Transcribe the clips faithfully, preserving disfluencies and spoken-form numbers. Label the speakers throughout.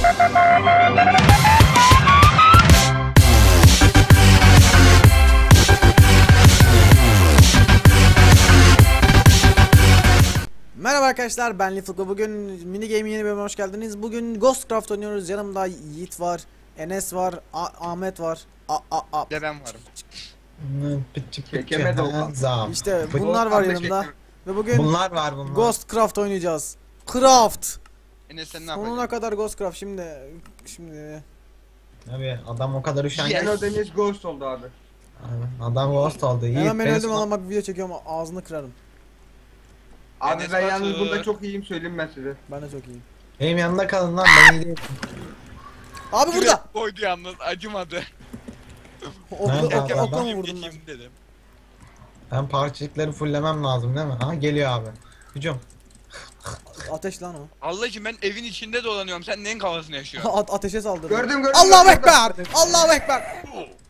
Speaker 1: Merhaba arkadaşlar, ben Lifuklu. Bugün mini game'in yeni bölümüne hoş geldiniz. Bugün Ghostcraft oynuyoruz. Yanımda Yiğit var, Enes var, A Ahmet var. A A A.
Speaker 2: De ben varım.
Speaker 3: Çekemedi o.
Speaker 1: İşte bunlar var yanımda. Ve bugün
Speaker 3: bunlar var bunlar.
Speaker 1: Ghostcraft oynayacağız. Craft.
Speaker 2: Enes sen ne
Speaker 1: Sonuna
Speaker 2: yapacaksın?
Speaker 1: kadar Ghostcraft şimdi şimdi.
Speaker 3: Abi adam o kadar üşengeç.
Speaker 2: Yes.
Speaker 3: Yes.
Speaker 4: Deniz Ghost oldu abi.
Speaker 3: Adam ghost oldu. Yiğit,
Speaker 1: Hemen ben
Speaker 3: beni
Speaker 1: öldüm
Speaker 3: sona-
Speaker 1: ama bak video çekiyorum, ağzını kırarım.
Speaker 4: Abi
Speaker 2: Enes
Speaker 4: ben
Speaker 2: Batur.
Speaker 4: yalnız bunda çok iyiyim, söyleyeyim ben size.
Speaker 1: Ben de çok iyiyim.
Speaker 3: Benim yanımda kalın lan, ben iyi değilim.
Speaker 1: Abi burada.
Speaker 2: Koydu yalnız acımadı.
Speaker 1: Okla,
Speaker 3: Nerede
Speaker 1: okla,
Speaker 3: abi
Speaker 1: okla
Speaker 3: adam?
Speaker 1: mı vurdun lan?
Speaker 2: Geçeyim dedim.
Speaker 3: Ben parçacıkları fullemem lazım değil mi? Aha geliyor abi. Hücum.
Speaker 1: Ateş lan o.
Speaker 2: Allah için ben evin içinde dolanıyorum. Sen neyin kafasını yaşıyorsun?
Speaker 1: A ateşe saldırdı.
Speaker 4: Gördüm gördüm.
Speaker 1: Allahu
Speaker 4: gördüm.
Speaker 1: Ekber! Allahu Ekber!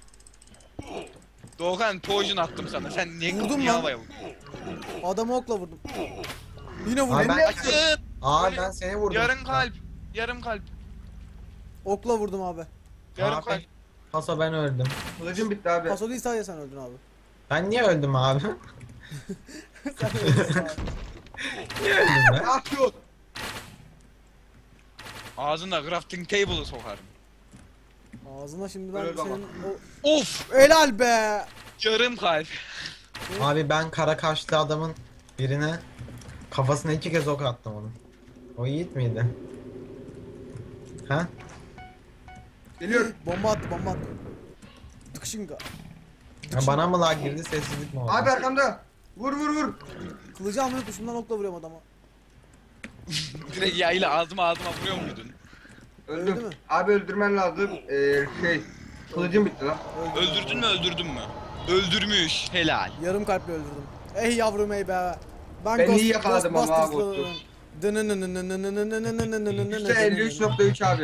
Speaker 2: Doğukan poison attım sana. Sen niye
Speaker 1: Vurdum
Speaker 2: kapıyı
Speaker 1: lan.
Speaker 2: havaya vurdun?
Speaker 1: Adamı okla vurdum. Yine
Speaker 3: Abi
Speaker 1: vurdum.
Speaker 3: ben...
Speaker 2: Açın.
Speaker 3: Aa ben seni vurdum.
Speaker 2: Yarım kalp. Yarım kalp.
Speaker 1: Okla vurdum abi.
Speaker 2: Yarım
Speaker 3: Abi.
Speaker 2: kalp.
Speaker 3: Paso ben öldüm.
Speaker 4: Kılıcım bitti abi.
Speaker 1: Paso değil, sadece sen öldün abi.
Speaker 3: Ben niye öldüm abi?
Speaker 1: Sen öldün abi.
Speaker 3: Niye öldüm ben?
Speaker 4: Ah yok.
Speaker 2: Ağzına crafting table'ı sokarım.
Speaker 1: Ağzına şimdi ben
Speaker 4: Öyle baba.
Speaker 1: senin o...
Speaker 2: Of.
Speaker 1: Helal be!
Speaker 2: Yarım kalp.
Speaker 3: Abi ben kara kaşlı adamın birine kafasına iki kez ok attım onun. O Yiğit miydi? Ha?
Speaker 4: Geliyor.
Speaker 1: Bomba attı, bomba attı. Tıkışınga.
Speaker 3: Ya bana mı lag girdi, sessizlik mi oldu?
Speaker 4: Abi arkamda. Vur vur vur.
Speaker 1: Kılıcı almayı tuşundan okla vuruyorum adama.
Speaker 2: Direkt yayla ağzıma ağzıma vuruyor muydun?
Speaker 1: Öldü
Speaker 4: Öldüm.
Speaker 1: mü?
Speaker 4: Abi öldürmen lazım. Ee, şey. Kılıcım bitti lan.
Speaker 1: Öldü.
Speaker 2: Öldürdün mü öldürdün mü? Öldürmüş. Helal.
Speaker 1: Yarım kalple öldürdüm. Ey yavrum ey be. Ben,
Speaker 4: Ben
Speaker 1: Ghost-
Speaker 4: iyi yakaladım ama
Speaker 1: Ghostbusters
Speaker 4: abi, Ghost'u.
Speaker 1: kılıyorum.
Speaker 4: Yüzde elli üç nokta üç abi.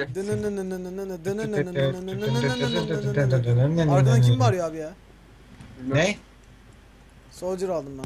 Speaker 1: Arkadan kim bağırıyor abi ya?
Speaker 3: Ne?
Speaker 1: Soldier aldım ben.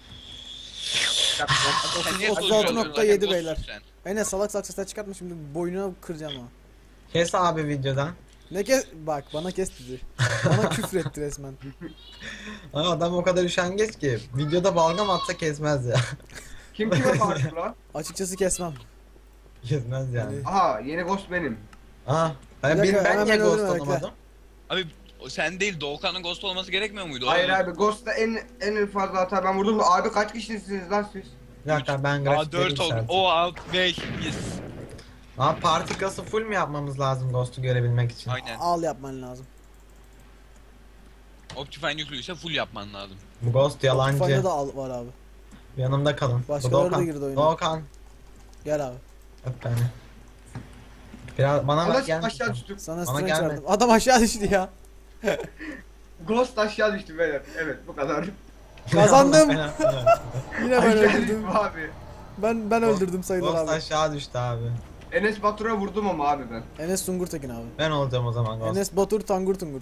Speaker 2: Sen niye
Speaker 1: otuz altı
Speaker 2: soruyorsun?
Speaker 1: nokta
Speaker 2: Zaten
Speaker 1: yedi
Speaker 2: ghostsun
Speaker 1: beyler.
Speaker 2: sen.
Speaker 1: Enes salak salak sesler çıkartma, şimdi boynuna kıracağım ha.
Speaker 3: Kes abi videodan.
Speaker 1: Ne kes... Bak bana kes dedi. Bana küfür etti resmen.
Speaker 3: Aa, adam o kadar üşengeç ki videoda balgam atsa kesmez ya.
Speaker 4: Kim kime bağırdı lan?
Speaker 1: Açıkçası kesmem.
Speaker 3: Kesmez yani.
Speaker 4: Aha yeni Ghost benim.
Speaker 3: Aa, ben,
Speaker 1: Bir dakika,
Speaker 3: ben, ben
Speaker 1: hemen
Speaker 3: niye ghost
Speaker 1: öldürme, bekle.
Speaker 3: olamadım?
Speaker 2: Abi o sen değil Doğukan'ın ghost olması gerekmiyor muydu?
Speaker 4: Hayır
Speaker 2: Oğlum.
Speaker 4: abi Ghost'ta en en fazla hata ben vurdum da abi kaç kişisiniz lan siz?
Speaker 3: Bir dakika ben
Speaker 2: Aa
Speaker 3: grafikleri
Speaker 2: dört oldu.
Speaker 3: yükselteyim.
Speaker 2: O alt beş yes.
Speaker 3: Abi partikası full mi yapmamız lazım ghost'u görebilmek için?
Speaker 2: Aynen.
Speaker 1: Al yapman lazım.
Speaker 2: Optifine yüklüyse full yapman lazım.
Speaker 3: Bu ghost yalancı.
Speaker 1: Fayda da al var abi.
Speaker 3: Yanımda kalın. Bu
Speaker 1: Başkaları da
Speaker 3: Doğukan.
Speaker 1: girdi oyuna.
Speaker 3: Doğukan.
Speaker 1: Gel abi.
Speaker 3: Öp beni. Biraz bana bak
Speaker 4: Ama
Speaker 3: gel.
Speaker 4: aşağı düştüm.
Speaker 1: Sana
Speaker 3: Bana
Speaker 1: strange
Speaker 3: gelme.
Speaker 1: verdim. Adam aşağı düştü ya.
Speaker 4: Ghost aşağı düştü beyler. Evet bu kadar.
Speaker 1: Kazandım. Yine ben
Speaker 4: Aşağı
Speaker 1: öldürdüm.
Speaker 4: düştüm abi.
Speaker 1: Ben ben öldürdüm sayılır
Speaker 3: Ghost
Speaker 1: abi.
Speaker 3: aşağı düştü abi.
Speaker 4: Enes Batur'a vurdum ama abi ben.
Speaker 1: Enes Sungur Tekin abi.
Speaker 3: Ben olacağım o zaman ghost.
Speaker 1: Enes Batur Tangur Tungur.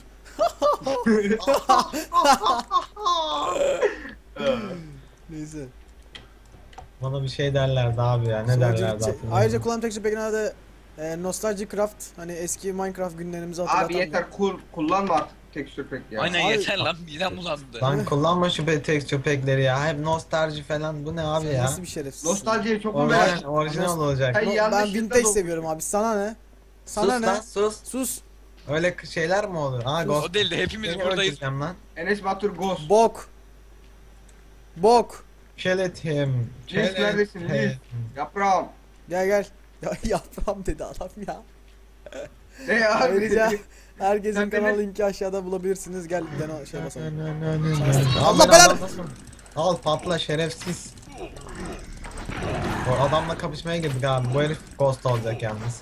Speaker 1: Neyse.
Speaker 3: Bana bir şey derlerdi abi ya. Ne
Speaker 1: Sonucu
Speaker 3: derlerdi
Speaker 1: bitecek.
Speaker 3: hatırlamıyorum.
Speaker 1: Ayrıca kullanım texture pack'ine de e, Nostalgia Craft, hani eski Minecraft günlerimizi hatırlatan.
Speaker 4: Abi yeter kul kullanma artık texture pack ya.
Speaker 2: Aynen
Speaker 1: Abi-
Speaker 2: yeter lan midem bulandı.
Speaker 3: Lan kullanma şu be texture pack'leri ya. Hep nostalji falan. Bu ne abi
Speaker 1: Sen
Speaker 3: ya?
Speaker 1: nasıl bir şerefsiz.
Speaker 4: Nostaljiye çok mu
Speaker 3: Orijinal,
Speaker 4: merak?
Speaker 3: orijinal olacak.
Speaker 4: Hey,
Speaker 1: No,
Speaker 4: yanlış
Speaker 1: ben
Speaker 4: yılda
Speaker 1: vintage
Speaker 4: doğmuş.
Speaker 1: seviyorum abi. Sana ne? Sana
Speaker 3: sus
Speaker 1: ne?
Speaker 3: lan sus.
Speaker 1: Sus.
Speaker 3: Öyle k- şeyler mi olur? Ha ghost.
Speaker 2: O değil de hepimiz
Speaker 3: Seni
Speaker 2: buradayız.
Speaker 3: öldüreceğim lan.
Speaker 4: Enes Batur Ghost.
Speaker 1: Bok. Bok.
Speaker 3: Kill it him. Kill
Speaker 4: Liz
Speaker 3: it
Speaker 4: neredesin,
Speaker 3: him.
Speaker 4: Liz? Yaprağım.
Speaker 1: Gel gel. Ya yaprağım dedi adam ya.
Speaker 4: Ne abi?
Speaker 1: Ayrıca herkesin
Speaker 4: Sen
Speaker 1: kanal
Speaker 4: beni-
Speaker 1: linki aşağıda bulabilirsiniz. Gel dene şey basalım.
Speaker 3: Allah
Speaker 1: Allah belanı-
Speaker 3: Al patla şerefsiz. O adamla kapışmaya girdik abi. Bu herif ghost olacak yalnız.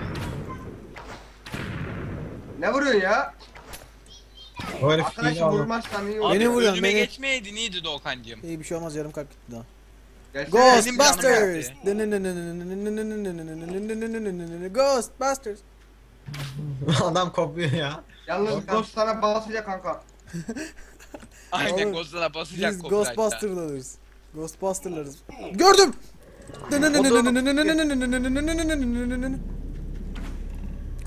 Speaker 4: Ne vuruyorsun ya?
Speaker 3: Bu herif
Speaker 4: Arkadaşım
Speaker 3: hile olur.
Speaker 4: vurmazsan iyi
Speaker 2: Abi
Speaker 4: olur.
Speaker 1: Beni vuruyorsun,
Speaker 2: önüme
Speaker 1: beni.
Speaker 2: geçmeyeydin iyiydi Doğukancığım.
Speaker 1: İyi bir şey olmaz, yarım kalp gitti daha.
Speaker 4: Gelsene.
Speaker 2: Benim canım
Speaker 1: Ghostbusters.
Speaker 2: geldi.
Speaker 1: Ghostbusters.
Speaker 3: Adam kopuyor ya.
Speaker 4: Yalnız
Speaker 3: Volkan.
Speaker 4: Ghost sana basacak kanka.
Speaker 2: Aynen
Speaker 1: Oğlum,
Speaker 2: Ghost'lara basacak
Speaker 1: Biz
Speaker 2: copyright'ta.
Speaker 1: Ghostbuster'larız. Ghostbuster'larız. Gördüm.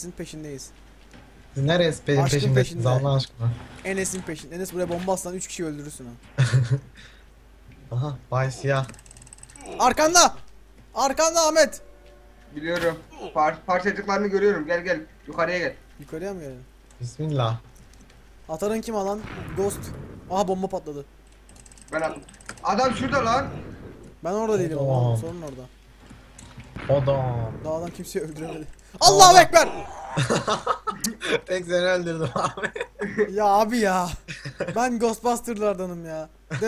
Speaker 1: Enes'in peşindeyiz.
Speaker 3: Siz neresi benim
Speaker 1: Aşkın
Speaker 3: peşimdesiniz
Speaker 1: peşinde.
Speaker 3: Allah aşkına?
Speaker 1: Enes'in peşinde. Enes buraya bomba atsan üç kişi öldürürsün ha.
Speaker 3: Aha Bay Siyah.
Speaker 1: Arkanda! Arkanda Ahmet!
Speaker 4: Biliyorum. Par parçacıklarını görüyorum. Gel gel. Yukarıya gel.
Speaker 1: Yukarıya mı gelelim?
Speaker 3: Bismillah.
Speaker 1: Atarın kim alan? Ghost. Aha bomba patladı.
Speaker 4: Ben attım. Adam şurada lan.
Speaker 1: Ben orada değilim
Speaker 3: Tamam.
Speaker 1: ama sorun orada.
Speaker 3: Adam.
Speaker 1: Dağdan kimseyi öldüremedi. Allahu Ekber!
Speaker 3: Tek seni öldürdüm abi.
Speaker 1: Ya abi ya. Ben Ghostbusters'lardanım ya.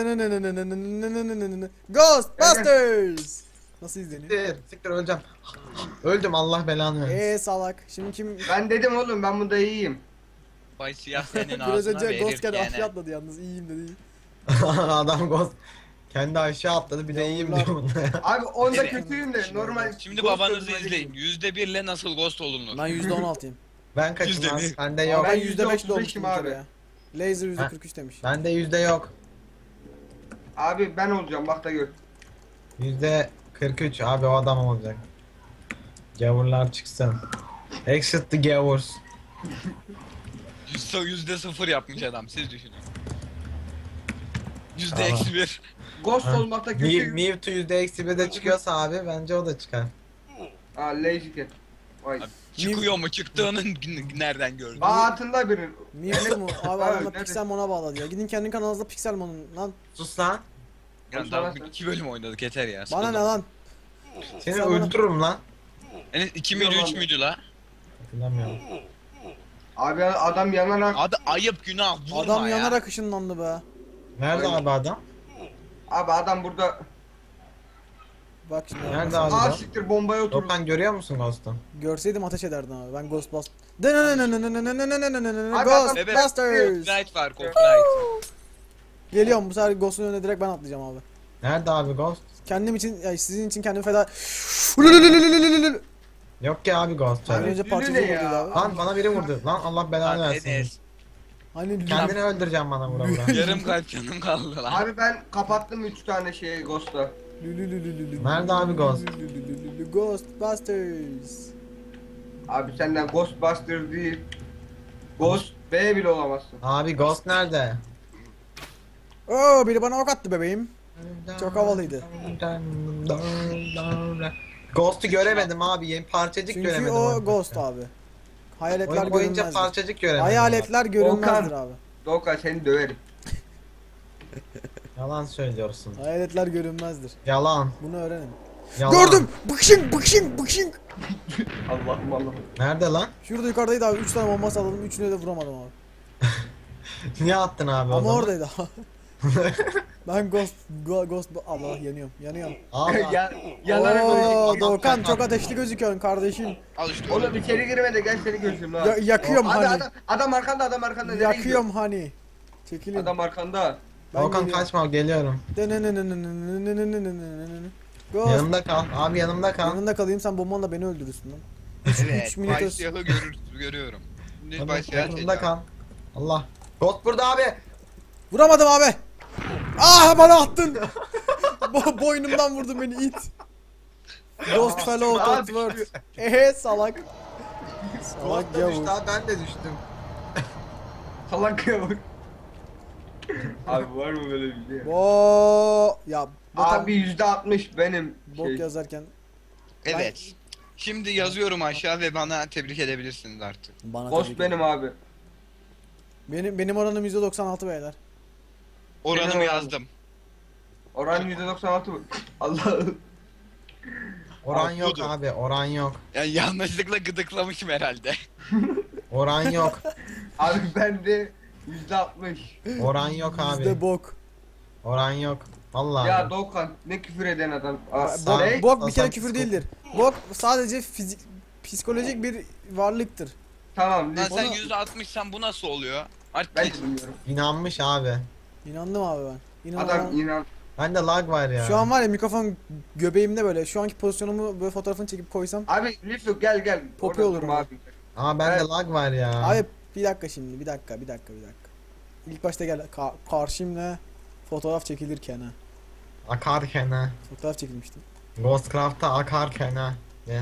Speaker 1: Ghostbusters! Nasıl izleniyor?
Speaker 3: Siktir, siktir öleceğim. Öldüm Allah belanı versin.
Speaker 1: Eee salak. Şimdi kim...
Speaker 4: Ben dedim oğlum ben bunda iyiyim.
Speaker 2: Bay siyah senin
Speaker 1: Biraz
Speaker 2: ağzına
Speaker 1: önce
Speaker 2: verir
Speaker 1: Ghost geldi
Speaker 2: gene.
Speaker 1: aşağı atladı yalnız. İyiyim dedi.
Speaker 3: Adam Ghost kendi aşağı atladı bir de iyiyim
Speaker 1: Yavrular.
Speaker 3: diyor bunda ya.
Speaker 4: Abi onda
Speaker 2: Evet.
Speaker 4: kötüyüm de normal.
Speaker 2: Şimdi
Speaker 4: ghost
Speaker 2: babanızı
Speaker 4: öldürmeye
Speaker 2: izleyin.
Speaker 4: gittim.
Speaker 2: Yüzde birle nasıl ghost olunur?
Speaker 1: Ben yüzde on altıyım.
Speaker 3: Ben kaçım
Speaker 2: Yüzde
Speaker 3: az?
Speaker 2: bir.
Speaker 3: Bende
Speaker 4: Abi
Speaker 3: yok.
Speaker 1: Ben
Speaker 4: ben
Speaker 1: yüzde beş
Speaker 4: yüzde otuz
Speaker 1: dolmuştum
Speaker 4: beşim
Speaker 1: bir
Speaker 4: abi.
Speaker 1: kere ya. Laser yüzde
Speaker 3: Ha.
Speaker 1: kırk üç demiş.
Speaker 3: Bende yüzde yok.
Speaker 4: Abi ben olacağım bak da gör.
Speaker 3: Yüzde kırk üç abi o adam olacak. Gavurlar çıksın. Exit the gavurs.
Speaker 2: Yüzde, yüzde sıfır yapmış adam siz düşünün. Yüzde
Speaker 3: Tamam.
Speaker 2: eksi bir.
Speaker 4: Ghost
Speaker 3: Ha.
Speaker 4: olmakta
Speaker 3: Mi-
Speaker 4: kötüyüm.
Speaker 3: Mewtwo yüzde eksi bir de çıkıyorsa abi bence o da çıkar.
Speaker 4: Aa lazy cat. Vay.
Speaker 2: Abi, çıkıyor mu çıktığını n- nereden gördün?
Speaker 4: Aa altında biri.
Speaker 1: Mewtwo mu? Abi
Speaker 4: Abi,
Speaker 1: adamlar
Speaker 4: nerede?
Speaker 1: Pixelmon'a bağladı ya. Gidin kendi kanalınızda Pixelmon'un lan.
Speaker 3: Sus lan.
Speaker 2: Yani daha iki bölüm oynadık yeter ya.
Speaker 1: Bana ne
Speaker 2: sıkıldım.
Speaker 1: lan?
Speaker 3: Seni
Speaker 1: Sen bana-
Speaker 3: öldürürüm lan.
Speaker 2: Enes iki müydü üç müydü la?
Speaker 3: Hatırlamıyorum.
Speaker 4: Abi adam yanarak.
Speaker 2: Adı ayıp günah vurma
Speaker 1: Adam
Speaker 2: ya.
Speaker 1: yanarak ışınlandı be.
Speaker 3: Nerede
Speaker 4: Aynen.
Speaker 3: abi adam?
Speaker 4: Abi adam burada.
Speaker 1: Bak şimdi.
Speaker 3: Nerede
Speaker 1: bak.
Speaker 3: abi?
Speaker 4: Aa
Speaker 3: adam?
Speaker 4: siktir bombaya oturdu.
Speaker 3: Dokan görüyor musun Ghost'u?
Speaker 1: Görseydim ateş ederdim abi. Ben Ghostbusters.
Speaker 4: Abi,
Speaker 1: Ghostbusters.
Speaker 2: Copyright var copyright.
Speaker 1: Geliyorum bu sefer Ghost'un önüne direkt ben atlayacağım abi.
Speaker 3: Nerede abi Ghost?
Speaker 1: Kendim için, ya sizin için kendimi feda...
Speaker 3: Yok ki abi Ghost.
Speaker 1: Az
Speaker 3: abi.
Speaker 1: önce
Speaker 4: Lülü
Speaker 1: parçacık
Speaker 4: ne
Speaker 1: vurduydu
Speaker 4: ya?
Speaker 1: abi.
Speaker 3: Lan bana biri vurdu. Lan Allah belanı
Speaker 2: Lan
Speaker 3: versin.
Speaker 2: Enes.
Speaker 1: Hani
Speaker 3: Kendini öldüreceğim bana vura vura.
Speaker 2: Yarım kalp canım kaldı lan.
Speaker 4: Abi ben kapattım üç tane şeyi Ghost'a.
Speaker 3: Nerede abi Ghost?
Speaker 1: Ghostbusters.
Speaker 4: Abi senden Ghostbuster değil. Ghost B bile olamazsın.
Speaker 3: Abi Ghost nerede?
Speaker 1: Oo biri bana ok attı bebeğim. Çok havalıydı.
Speaker 3: Ghost'u göremedim abi. Yeni parçacık
Speaker 1: Çünkü
Speaker 3: göremedim.
Speaker 1: o
Speaker 3: oyunda.
Speaker 1: Ghost abi. Hayaletler
Speaker 3: Oyun boyunca
Speaker 1: görünmezdir.
Speaker 3: parçacık göremedim.
Speaker 1: Hayaletler görünmezdir
Speaker 4: Volkan.
Speaker 1: abi.
Speaker 4: Doğukan seni döverim.
Speaker 3: abi. Yalan söylüyorsun.
Speaker 1: Hayaletler görünmezdir.
Speaker 3: Yalan.
Speaker 1: Bunu öğrenin.
Speaker 3: Yalan.
Speaker 1: Gördüm. Bıkşın bıkşın bıkşın.
Speaker 4: Allah'ım Allah'ım.
Speaker 3: Nerede lan?
Speaker 1: Şurada yukarıdaydı abi. üç tane bomba salladım. üçüne de vuramadım abi.
Speaker 3: Niye attın abi o
Speaker 1: Ama
Speaker 3: zaman?
Speaker 1: oradaydı abi. Ben Ghost go, Ghost Allah yanıyorum. Yanıyorum.
Speaker 3: Abi,
Speaker 4: ya, yanarak
Speaker 1: Oo,
Speaker 4: ölecek.
Speaker 3: adam
Speaker 1: Doğukan
Speaker 3: kapat.
Speaker 1: çok ateşli gözüküyorsun kardeşim.
Speaker 2: Al işte
Speaker 4: Oğlum
Speaker 2: öyle.
Speaker 4: içeri girme de gel seni gözüm lan.
Speaker 1: Ya, yakıyorum
Speaker 4: Abi
Speaker 1: hani.
Speaker 4: adam, adam arkanda adam arkanda. Nereye
Speaker 1: Yakıyorum hani. Çekilin.
Speaker 4: gidiyor? Adam arkanda.
Speaker 1: Ben
Speaker 3: Volkan
Speaker 1: geliyorum.
Speaker 3: kaçma geliyorum.
Speaker 1: Ghost.
Speaker 3: Yanımda kal. Abi yanımda kal.
Speaker 1: Yanında kalayım sen bombanla beni öldürürsün lan. üç
Speaker 2: Evet,
Speaker 1: minute
Speaker 2: Bay
Speaker 1: öz-
Speaker 2: siyahı görür, görüyorum. Şimdi
Speaker 3: Yanımda,
Speaker 2: Bay siyah
Speaker 3: yanımda kal. Allah. Ghost burada abi.
Speaker 1: Vuramadım abi. Ah bana attın. Bo boynumdan vurdun beni it. Ghost fellow
Speaker 4: Abi,
Speaker 1: Totworth. Ehe salak. Salak
Speaker 3: Ghost da düştü
Speaker 1: yavur.
Speaker 3: abi ben de düştüm.
Speaker 4: Salak ya bak. Abi var mı böyle bir şey?
Speaker 1: Bo ya bu tam
Speaker 4: Abi yüzde altmış benim.
Speaker 1: bok
Speaker 4: Şey.
Speaker 1: yazarken
Speaker 2: Evet. Şimdi yazıyorum aşağı ve bana tebrik edebilirsiniz artık.
Speaker 1: bana
Speaker 4: Ghost
Speaker 1: tebrik
Speaker 4: benim abi.
Speaker 1: Benim benim oranım yüzde doksan altı beyler.
Speaker 2: Oranımı
Speaker 4: Benim
Speaker 2: yazdım.
Speaker 4: Oran yüzde doksan altı mı? Allah'ım.
Speaker 3: Oran
Speaker 2: Abi,
Speaker 3: yok
Speaker 2: budur.
Speaker 3: abi. Oran yok.
Speaker 2: Yani yanlışlıkla gıdıklamışım herhalde.
Speaker 3: Oran yok.
Speaker 4: Abi bende yüzde altmış.
Speaker 3: Oran yok abi.
Speaker 1: Yüzde bok.
Speaker 3: Oran yok. Vallahi.
Speaker 4: Ya Doğukan ne küfür eden adam. Aa,
Speaker 3: Sağ-
Speaker 1: Bok,
Speaker 4: ne?
Speaker 1: bok bir kere
Speaker 3: Aslan
Speaker 1: küfür
Speaker 3: psiko-
Speaker 1: değildir. Bok sadece fizik psikolojik bir varlıktır.
Speaker 4: Tamam.
Speaker 2: Lan
Speaker 4: ne-
Speaker 2: sen
Speaker 1: Onu-
Speaker 2: yüzde altmışsan bu nasıl oluyor? Artık
Speaker 4: Ben de bilmiyorum.
Speaker 3: İnanmış abi.
Speaker 1: İnandım abi ben. İnan
Speaker 4: Adam inan.
Speaker 3: Bende lag var ya.
Speaker 1: Şu an var ya mikrofon göbeğimde böyle. Şu anki pozisyonumu böyle fotoğrafını çekip koysam.
Speaker 4: Abi Lifluk gel gel.
Speaker 1: Popi
Speaker 4: Orada
Speaker 1: olurum
Speaker 4: durma
Speaker 1: ben.
Speaker 4: abi.
Speaker 3: Ama bende
Speaker 4: Evet.
Speaker 3: lag var ya.
Speaker 1: Abi bir dakika şimdi bir dakika bir dakika bir dakika. İlk başta gel ka- karşımla fotoğraf çekilirken ha.
Speaker 3: Akarken ha.
Speaker 1: Fotoğraf çekilmişti.
Speaker 3: Ghostcraft'ta akarken ha. Ne?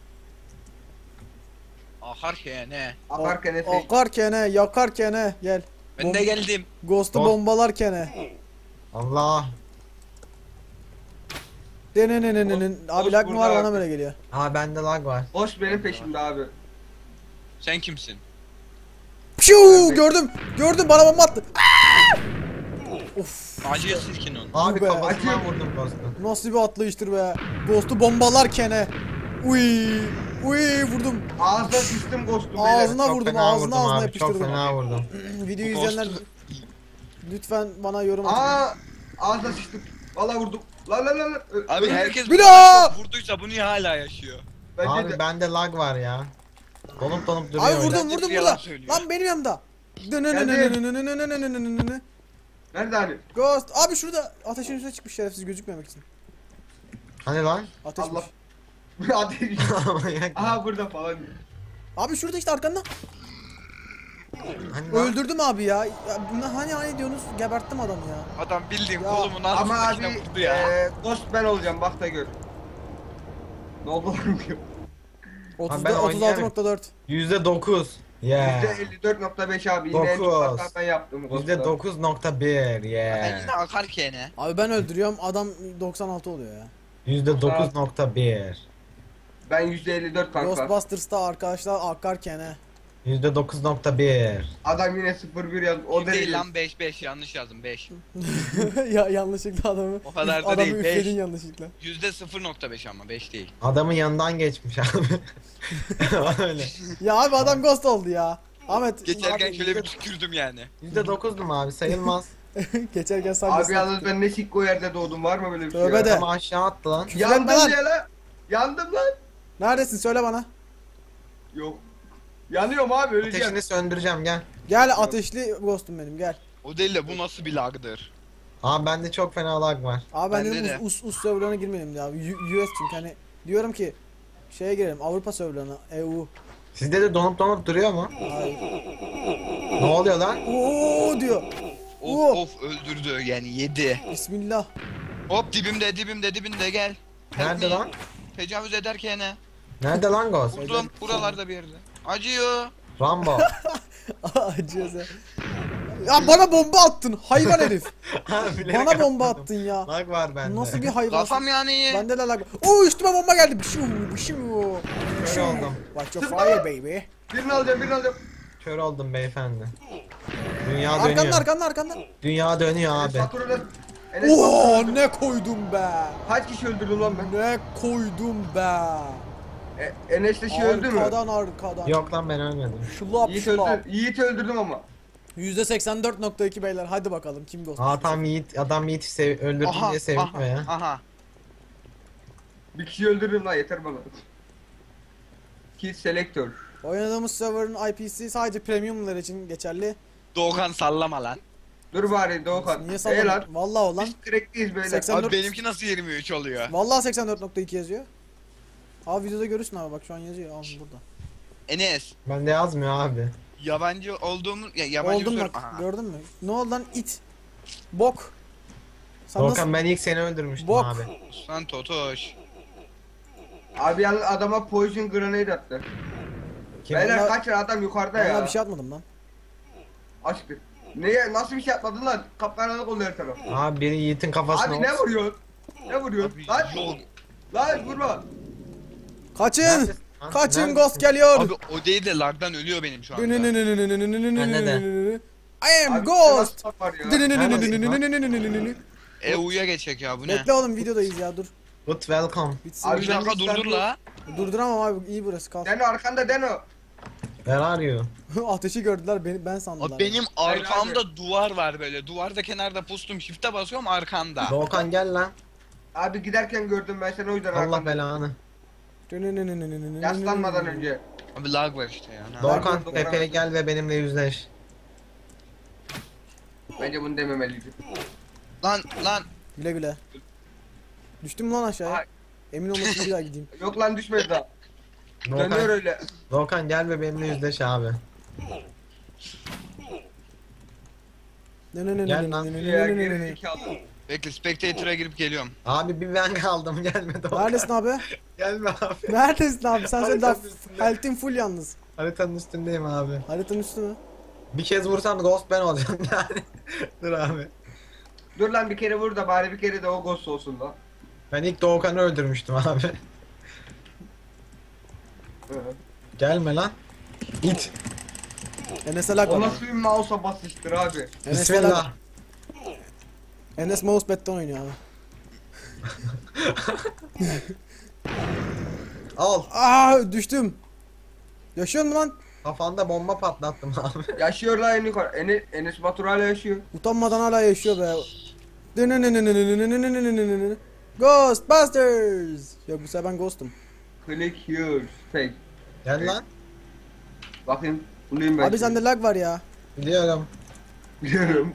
Speaker 2: Ahar ki ne?
Speaker 4: Akarken Efe.
Speaker 1: Akarken he, yakarken he, gel.
Speaker 2: Ben de geldim.
Speaker 1: Ghost'u
Speaker 3: Ghost-
Speaker 1: bombalarken he.
Speaker 3: Allah.
Speaker 1: Denenenenenen. Abi
Speaker 4: Ghost
Speaker 1: lag mı var
Speaker 4: burada
Speaker 1: bana
Speaker 4: abi.
Speaker 1: böyle geliyor.
Speaker 3: Aa bende lag var.
Speaker 4: Boş benim peşimde abi.
Speaker 2: Sen kimsin?
Speaker 1: Piu
Speaker 4: Evet.
Speaker 1: gördüm. Gördüm bana bomba attı. Of.
Speaker 2: Acıya silkin onu.
Speaker 3: Abi
Speaker 1: be.
Speaker 3: kafasından
Speaker 4: Acıyor.
Speaker 3: vurdum Ghost'u.
Speaker 1: Nasıl bir atlayıştır be. Ghost'u bombalarken he. Uy. Uy vurdum.
Speaker 4: Ağzına sıçtım ghost'um
Speaker 1: Ağzına
Speaker 3: Çok
Speaker 1: vurdum,
Speaker 3: fena
Speaker 1: ağzına
Speaker 3: vurdum
Speaker 1: ağzına
Speaker 3: abi,
Speaker 1: yapıştırdım.
Speaker 3: Çok fena vurdum.
Speaker 1: Videoyu
Speaker 2: Ghost-
Speaker 1: izleyenler lütfen bana yorum atın.
Speaker 4: Aa ağzına sıçtım. Valla vurdum. Lan lan lan. Ö-
Speaker 2: Abi
Speaker 4: öldüm.
Speaker 2: herkes bu
Speaker 1: Bir
Speaker 2: kadar
Speaker 1: daha!
Speaker 2: çok vurduysa bu niye hala yaşıyor?
Speaker 4: Bence
Speaker 3: Abi
Speaker 4: de.
Speaker 3: bende lag var ya. Donup donup duruyor.
Speaker 1: Abi
Speaker 3: öyle.
Speaker 1: vurdum
Speaker 2: Bence
Speaker 1: vurdum
Speaker 2: bir yalan
Speaker 1: burada.
Speaker 2: söylüyor.
Speaker 1: Lan benim yanımda.
Speaker 4: Nerede hani?
Speaker 1: Ghost. Abi şurada ateşin üstüne çıkmış şerefsiz gözükmemek için.
Speaker 3: Hani lan?
Speaker 1: Ateşmiş.
Speaker 4: Allah. Ateş.
Speaker 3: Manyak.
Speaker 4: Aha burada falan.
Speaker 1: Abi şurada işte arkanda.
Speaker 3: Hani lan?
Speaker 1: Öldürdüm abi ya. Ya bunlar hani hani diyorsunuz geberttim adamı ya.
Speaker 2: Adam bildiğin
Speaker 1: Ya,
Speaker 2: kolumun
Speaker 4: Ama
Speaker 2: altındakine
Speaker 4: abi
Speaker 2: vurdu ya.
Speaker 4: eee ghost ben olacağım bak da gör. Ne oldu lan?
Speaker 1: otuz
Speaker 3: ben
Speaker 1: otuz altı
Speaker 3: oynayamam.
Speaker 1: nokta dört.
Speaker 3: yüzde dokuz. Yeah.
Speaker 4: yüzde elli dört nokta beş abi yine en çok
Speaker 3: Dokuz.
Speaker 4: hata ben yaptım ghost'ta.
Speaker 3: yüzde dokuz nokta bir.
Speaker 2: Ben
Speaker 3: Yeah.
Speaker 2: yine akar ki ne?
Speaker 1: Abi ben öldürüyorum adam doksan altı oluyor ya.
Speaker 3: yüzde dokuz nokta bir.
Speaker 4: Ben yüzde elli dört kanka.
Speaker 1: Ghostbusters'ta arkadaşlar akarken he.
Speaker 3: yüzde dokuz nokta bir.
Speaker 4: Adam yine sıfır bir yazdı. O
Speaker 2: O değil
Speaker 4: derece.
Speaker 2: lan beş beş yanlış yazdım beş.
Speaker 1: Ya yanlışlıkla adamı.
Speaker 2: O kadar da
Speaker 1: adamı
Speaker 2: değil, beş.
Speaker 1: üfledin yanlışlıkla.
Speaker 2: Yüzde sıfır nokta beş ama beş değil.
Speaker 3: Adamın yanından geçmiş abi. Öyle.
Speaker 1: Ya abi adam ghost oldu ya. Ahmet.
Speaker 2: Geçerken
Speaker 1: abi,
Speaker 2: şöyle bir tükürdüm yani.
Speaker 3: yüzde dokuz mu abi sayılmaz.
Speaker 1: Geçerken sadece.
Speaker 4: Abi yalnız ben ne sikko yerde doğdum var mı böyle bir şey?
Speaker 1: Tövbe
Speaker 4: ya?
Speaker 1: de.
Speaker 3: Ama aşağı attı lan.
Speaker 1: Küfür etme
Speaker 4: Yandım
Speaker 1: lan.
Speaker 4: ya lan. Yandım lan.
Speaker 1: Neredesin söyle bana.
Speaker 4: Yok. Yanıyorum abi öleceğim.
Speaker 3: Ateşini söndüreceğim gel.
Speaker 1: Gel ateşli ghostum benim gel.
Speaker 2: O değil de bu nasıl bir lagdır?
Speaker 3: Abi bende çok fena lag var.
Speaker 1: Abi ben
Speaker 2: Bende
Speaker 1: dedim
Speaker 2: de.
Speaker 1: us, us, us serverlarına girmeyelim ya. U- US çünkü hani diyorum ki şeye girelim Avrupa serverlarına E U.
Speaker 3: Sizde de donup donup duruyor mu?
Speaker 1: Hayır.
Speaker 3: Ne oluyor lan?
Speaker 1: Oo diyor.
Speaker 2: Of
Speaker 1: Oo.
Speaker 2: of öldürdü yani yedi.
Speaker 1: Bismillah.
Speaker 2: Hop dibimde dibimde dibimde gel.
Speaker 3: Nerede lan?
Speaker 2: Tecavüz ederken ne?
Speaker 3: Nerede lan Ghost?
Speaker 2: Vurdum buralarda bir yerde. Acıyor.
Speaker 3: Rambo.
Speaker 1: Acıyoruz ya. Ya bana bomba attın hayvan herif.
Speaker 3: Ha, bilerek
Speaker 1: Bana bomba
Speaker 3: atmadım.
Speaker 1: attın ya.
Speaker 3: Lag var bende.
Speaker 1: Nasıl bir hayvan?
Speaker 2: Kafam yani.
Speaker 1: Bende de lag. Oo üstüme bomba geldi. Bişu bişu.
Speaker 3: Kör oldum.
Speaker 1: Watch your fire baby.
Speaker 4: Birini alacağım birini alacağım.
Speaker 3: Kör oldum beyefendi. Dünya
Speaker 1: Arkanda
Speaker 3: dönüyor.
Speaker 1: arkanda arkanda.
Speaker 3: Dünya dönüyor abi.
Speaker 4: Faturada. Enes
Speaker 1: Oo
Speaker 4: faturada-
Speaker 1: ne koydum be.
Speaker 4: Kaç kişi öldürdüm lan ben?
Speaker 1: Ne koydum be.
Speaker 4: E, Enes de şey öldü mü?
Speaker 1: Arkadan arkadan.
Speaker 3: Yok lan ben ölmedim.
Speaker 1: Şulap
Speaker 4: Yiğit
Speaker 1: şulap.
Speaker 4: öldür. Yiğit öldürdüm ama.
Speaker 1: yüzde seksen dört nokta iki beyler hadi bakalım kim ghost.
Speaker 3: Aa tam Yiğit, adam Yiğit'i sev öldürdüm
Speaker 2: Aha,
Speaker 3: diye sevinmiyor
Speaker 2: aha,
Speaker 3: ya.
Speaker 2: aha.
Speaker 4: Bir kişi öldürdüm lan yeter bana. Kill selector.
Speaker 1: Oynadığımız server'ın I P'si sadece premiumlar için geçerli.
Speaker 2: Doğukan sallama lan.
Speaker 4: Dur bari Doğukan.
Speaker 1: Niye
Speaker 4: Ey
Speaker 1: salladın?
Speaker 4: lan.
Speaker 1: Vallahi o lan.
Speaker 4: Biz crackliyiz beyler.
Speaker 1: seksen dört
Speaker 2: Abi benimki nasıl yirmi üç oluyor?
Speaker 1: Vallahi seksen dört nokta iki yazıyor. Abi videoda görürsün abi bak şu an yazıyor. Al burada.
Speaker 2: Enes.
Speaker 3: Bende yazmıyor abi.
Speaker 2: Yabancı olduğumu ya yabancı
Speaker 1: Oldun
Speaker 2: bir
Speaker 1: bak
Speaker 2: soru- Aha.
Speaker 1: gördün mü? Ne oldu lan it. Bok. Sen
Speaker 3: Doğukan ben ilk seni öldürmüştüm
Speaker 1: Bok.
Speaker 3: abi.
Speaker 2: Lan Totoş.
Speaker 4: Abi yalnız adama poison grenade attı.
Speaker 3: Kim?
Speaker 4: Beyler
Speaker 1: Vallahi-
Speaker 4: kaçın adam yukarıda
Speaker 1: Vallahi
Speaker 4: ya.
Speaker 1: bir şey atmadım lan.
Speaker 4: Aşkım. Neye nasıl bir şey atmadın lan? Kapkaranlık oldu her taraf.
Speaker 3: Abi biri Yiğit'in kafasına
Speaker 4: Abi ne
Speaker 3: olsun.
Speaker 4: vuruyorsun? Ne vuruyorsun?
Speaker 2: Abi
Speaker 4: Lan
Speaker 2: yok.
Speaker 4: lan vurma.
Speaker 1: Kaçın.
Speaker 3: Neredesin lan?
Speaker 1: Kaçın
Speaker 3: Neredesin?
Speaker 1: ghost geliyor.
Speaker 2: Abi o değil de lagdan ölüyor benim şu anda.
Speaker 1: I am
Speaker 4: Abi,
Speaker 1: ghost.
Speaker 4: nasıl var ya?
Speaker 2: E U'ya geçecek ya bu ne?
Speaker 1: Bekle oğlum videodayız ya dur.
Speaker 3: Good welcome.
Speaker 1: Bitsin.
Speaker 4: Abi,
Speaker 2: Bir dakika durdur la.
Speaker 1: Durduramam abi iyi burası kal.
Speaker 4: Deno arkanda Deno.
Speaker 3: Where are you?
Speaker 1: Ateşi gördüler beni ben sandılar.
Speaker 2: Abi benim
Speaker 4: Hayır,
Speaker 2: arkamda duvar var böyle. Duvarda kenarda pustum shift'e basıyorum arkanda.
Speaker 3: Doğukan gel lan.
Speaker 4: Abi giderken gördüm ben seni o yüzden
Speaker 3: Allah
Speaker 4: arkanda.
Speaker 3: belanı.
Speaker 4: Yaslanmadan önce.
Speaker 2: Abi lag var işte ya. ne
Speaker 3: Doğukan
Speaker 4: Doğukan.
Speaker 3: tepeye gel ve benimle yüzleş.
Speaker 4: Bence bunu dememeliydim.
Speaker 2: Lan lan.
Speaker 1: Güle güle. Düştüm lan aşağıya.
Speaker 4: Ay.
Speaker 1: Emin olmasın bir daha gideyim.
Speaker 4: Yok lan düşmedi daha. Dönüyor
Speaker 3: Volkan,
Speaker 4: öyle.
Speaker 3: Volkan gel ve benimle yüzleş abi.
Speaker 1: Ne ne ne
Speaker 3: Gel
Speaker 1: ne
Speaker 3: lan.
Speaker 1: ne ne
Speaker 4: Ya
Speaker 1: ne ne ne
Speaker 4: geri
Speaker 1: ne.
Speaker 4: zekalı.
Speaker 2: Bekle Spectator'a girip geliyorum.
Speaker 3: Abi bir ben kaldım gelme Volkan.
Speaker 1: Neredesin abi?
Speaker 3: Gelme abi.
Speaker 1: Neredesin abi? Sen söyle daha
Speaker 3: Haritanın üstünde.
Speaker 1: health'in full yalnız.
Speaker 3: Haritanın üstündeyim abi.
Speaker 1: Haritanın üstü mü?
Speaker 3: Bir kez vursam ghost ben olacağım yani. Dur abi.
Speaker 4: Dur lan bir kere vur da bari bir kere de o ghost olsun lan.
Speaker 3: Ben ilk Doğukan'ı öldürmüştüm abi.
Speaker 4: Hı.
Speaker 3: Gelme lan. İt.
Speaker 1: Enes'e lag
Speaker 4: O
Speaker 1: var.
Speaker 4: nasıl bir mouse'a basıştır abi.
Speaker 1: Enes'e lag
Speaker 3: Bismillah.
Speaker 1: var. Enes mousepad'den oynuyor abi.
Speaker 3: Al.
Speaker 1: Aa düştüm. Yaşıyor mu lan?
Speaker 3: Kafanda bomba patlattım abi.
Speaker 4: Yaşıyor lan en yukarı. Enes, Enes Batur hala yaşıyor.
Speaker 1: Utanmadan hala yaşıyor be. Ghostbusters. Yok bu sefer ben ghostum.
Speaker 4: Click here. Fake.
Speaker 3: Gel lan.
Speaker 4: Bakayım. Bulayım ben.
Speaker 1: Abi sende lag var ya.
Speaker 3: Biliyorum.
Speaker 4: Biliyorum.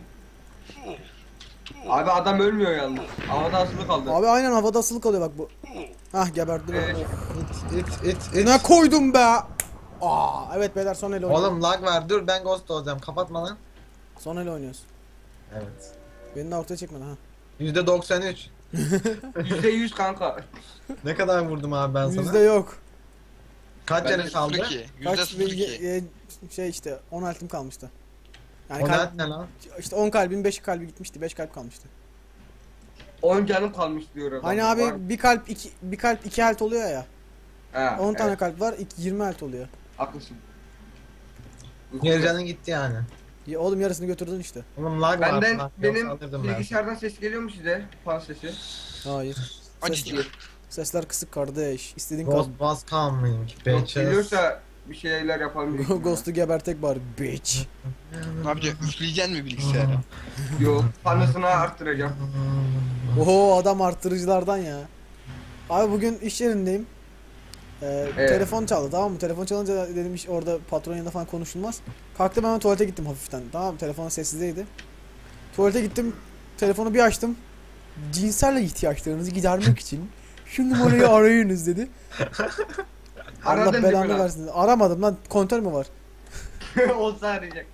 Speaker 4: Abi adam ölmüyor yalnız. Havada asılı kaldı.
Speaker 1: Abi aynen havada asılı kalıyor bak bu. Hah geberdim.
Speaker 4: Evet.
Speaker 3: İt it it it.
Speaker 1: Ne koydum be? Aa evet beyler son ele oynuyoruz.
Speaker 3: Oğlum lag var dur ben ghost olacağım kapatma lan.
Speaker 1: Son ele oynuyoruz.
Speaker 3: Evet.
Speaker 1: Beni de ortaya çekmedi ha.
Speaker 3: yüzde doksan üç.
Speaker 4: Yüzde yüz kanka.
Speaker 3: Ne kadar vurdum abi ben sana?
Speaker 1: Yüzde yok.
Speaker 3: Kaç
Speaker 2: Bende
Speaker 3: canın kaldı?
Speaker 2: sıfır iki. Yüzde
Speaker 1: Kaç
Speaker 2: sıfır iki.
Speaker 1: e, şey işte on altım kalmıştı. Yani
Speaker 3: O
Speaker 1: kalp,
Speaker 3: ne lan?
Speaker 1: işte on kalbin beş kalbi gitmişti. beş kalp kalmıştı.
Speaker 4: on canım kalmış diyor adam.
Speaker 1: Hani
Speaker 4: Var mı?
Speaker 1: abi bir kalp iki bir kalp iki health oluyor ya.
Speaker 4: Ha,
Speaker 1: on
Speaker 4: evet,
Speaker 1: tane kalp var. iki- yirmi health oluyor.
Speaker 4: haklısın.
Speaker 3: Yarı canın gitti yani.
Speaker 1: Ya oğlum yarısını götürdün işte.
Speaker 3: Oğlum lag var.
Speaker 4: Benden
Speaker 3: lag
Speaker 4: benim
Speaker 3: yoksa alırdım ben.
Speaker 4: bilgisayardan ses geliyor mu size? Fan sesi.
Speaker 1: Hayır.
Speaker 2: Acı
Speaker 1: Ses,
Speaker 2: diyor.
Speaker 1: sesler kısık kardeş. İstediğin kal.
Speaker 3: Ghost was coming.
Speaker 4: Yok,
Speaker 3: Bitches.
Speaker 4: geliyorsa bir şeyler yapalım.
Speaker 1: Ghost'u gebertek bari bitch.
Speaker 2: Ne yapacak? Üfleyeceksin mi bilgisayara?
Speaker 4: Yok, fanısını arttıracağım.
Speaker 1: Oho adam arttırıcılardan ya. Abi bugün iş yerindeyim. Ee,
Speaker 4: Evet.
Speaker 1: Telefon çaldı tamam mı? Telefon çalınca dedim iş orada patron yanında falan konuşulmaz. Kalktım hemen tuvalete gittim hafiften. Tamam mı? Telefon sessizdeydi. Tuvalete gittim. Telefonu bir açtım. Cinsel ihtiyaçlarınızı gidermek için şu numarayı arayınız dedi. Allah
Speaker 4: Aradın değil mi
Speaker 1: belanı
Speaker 4: lan?
Speaker 1: versin. Aramadım lan. Kontör mü var?
Speaker 4: Olsa arayacak.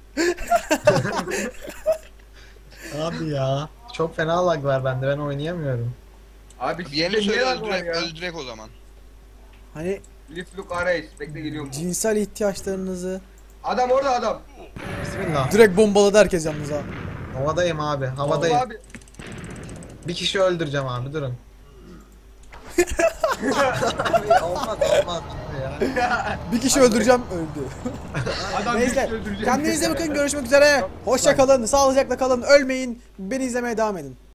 Speaker 3: Abi ya. Çok fena lag var bende ben oynayamıyorum.
Speaker 4: Abi
Speaker 2: Bir yerine
Speaker 4: sizde
Speaker 2: söyle
Speaker 4: ne var
Speaker 2: öldürek,
Speaker 4: ya?
Speaker 2: öldürek o zaman.
Speaker 1: Hani
Speaker 4: Lift look arayız. Bekle geliyorum.
Speaker 1: cinsel ihtiyaçlarınızı
Speaker 4: Adam orada adam.
Speaker 3: Bismillah.
Speaker 1: direkt bombaladı herkes yalnız ha.
Speaker 3: Havadayım abi. Havadayım.
Speaker 4: Abi.
Speaker 3: Bir kişi öldüreceğim abi durun. Abi, olmaz olmaz ya.
Speaker 1: Bir kişi öldüreceğim öldü.
Speaker 4: Adam
Speaker 1: Neyse
Speaker 4: bizi öldürecek.
Speaker 1: kendinize bakın görüşmek üzere. Hoşça kalın, sağlıcakla kalın, ölmeyin. Beni izlemeye devam edin.